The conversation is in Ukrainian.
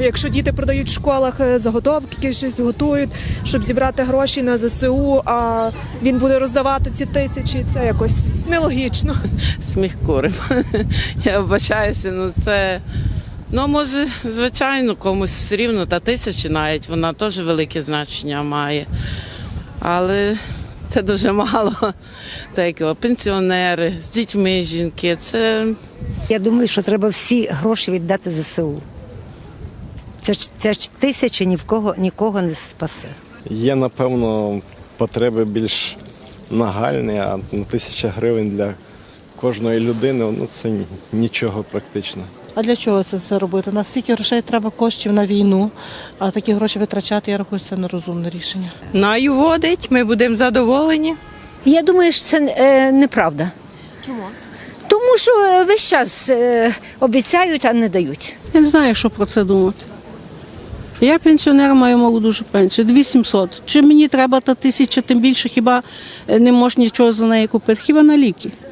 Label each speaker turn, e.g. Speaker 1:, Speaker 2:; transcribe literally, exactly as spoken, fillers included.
Speaker 1: якщо діти продають в школах заготовки, щось готують, щоб зібрати гроші на зе се у, а він буде роздавати ці тисячі, це якось нелогічно.
Speaker 2: Сміх курим. Я вибачаюся, ну це, ну може, звичайно, комусь все рівно, та тисячі навіть, вона теж велике значення має. Але це дуже мало. Так, його, пенсіонери, з дітьми жінки, це...
Speaker 3: Я думаю, що треба всі гроші віддати зе се у. Ця, ця тисяча ні в кого, нікого не спасе.
Speaker 4: Є, напевно, потреби більш нагальні, а ну, тисяча гривень для кожної людини, ну це нічого практично.
Speaker 5: А для чого це все робити? На стільки грошей треба коштів на війну, а такі гроші витрачати, я рахую, це нерозумне рішення.
Speaker 6: Наю водить, ми будемо задоволені.
Speaker 7: Я думаю, що це е, неправда.
Speaker 8: Чому?
Speaker 7: Тому що е, весь час е, обіцяють, а не дають.
Speaker 9: Я не знаю, що про це думати. Я пенсіонер, маю малу дуже пенсію, дві тисячі сімсот. Чи мені треба та тисяча, тим більше, хіба не можна нічого за неї купити? Хіба на ліки?